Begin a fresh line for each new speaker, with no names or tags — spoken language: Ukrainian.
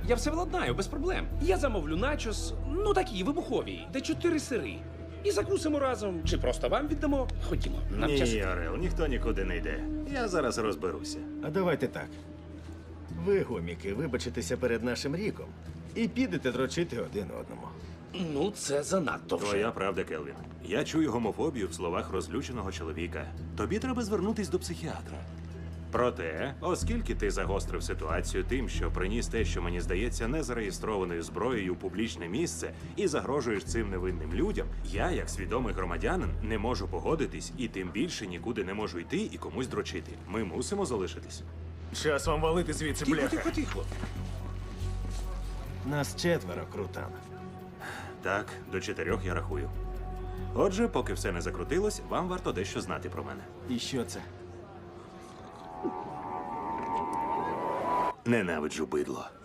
Я все владнаю, без проблем. Я замовлю начос, ну такі, вибухові, де 4 сири. І закусимо разом. Чи просто вам віддамо? Ходімо, нам час.
Ні, Орел, ніхто нікуди не йде. Я зараз розберуся.
А давайте так. Ви, гоміки, вибачитеся перед нашим Ріком і підете дрочити один одному.
Ну, це занадто вже.
Твоя правда, Келвін. Я чую гомофобію в словах розлюченого чоловіка. Тобі треба звернутись до психіатра. Проте, оскільки ти загострив ситуацію тим, що приніс те, що мені здається, незареєстрованою зброєю у публічне місце і загрожуєш цим невинним людям, я, як свідомий громадянин, не можу погодитись і тим більше нікуди не можу йти і комусь дрочити. Ми мусимо залишитись.
Час вам валити звідси,
Тихо,
бляха.
тихо, тихо.
Нас 4, крутан.
Так, до 4 я рахую. Отже, поки все не закрутилось, вам варто дещо знати про мене.
І що це?
Ненавиджу бидло.